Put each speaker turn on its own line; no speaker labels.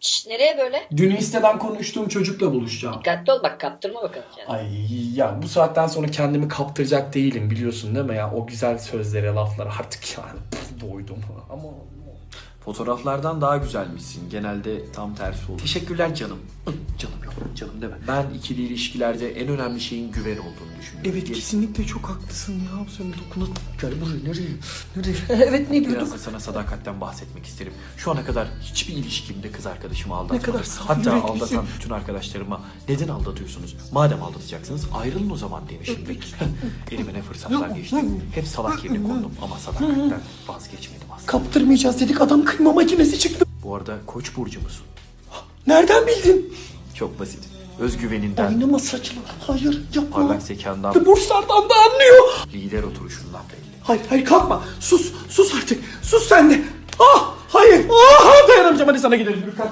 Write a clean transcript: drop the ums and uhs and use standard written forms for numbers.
Şşt, nereye böyle?
Dün Insta'dan konuştuğum çocukla buluşacağım.
Dikkatli ol bak, kaptırma bakalım kendini.
Ay ya bu saatten sonra kendimi kaptıracak değilim biliyorsun değil mi ya? O güzel sözlere, laflara artık yani doydum ama...
Fotoğraflardan daha güzelmişsin. Genelde tam tersi olur. Teşekkürler canım. Canım yok. Canım deme. Ben ikili ilişkilerde en önemli şeyin güven olduğunu düşünüyorum.
Evet
Gerisi-
kesinlikle çok haklısın ya. Sen dokuna... Gel buraya nereye? Evet ne diyorduk?
Biraz da sana sadakatten bahsetmek isterim. Şu ana kadar hiçbir ilişkimde kız arkadaşımı aldatmadım.
kadar saf
Hatta
yüreklisin.
aldatan bütün arkadaşlarıma neden aldatıyorsunuz? Madem aldatacaksınız ayrılın o zaman demişimdir. Elime ne fırsatlar geçti. Hep salak yerine kondum ama sadakatten vazgeçmedim aslında.
Kaptırmayacağız dedik, adam kıyma makinesi çıktı.
Bu arada Koç burcu musun?
Nereden bildin?
Çok basit. Özgüveninden,
Oynama saçma. Hayır yapma.
parlak zekandan,
Burslardan da anlıyor.
lider oturuşundan belli.
Hayır kalkma. Sus artık. Sus sen de. Ah hayır. Dayanamayacağım, hadi sana gidelim.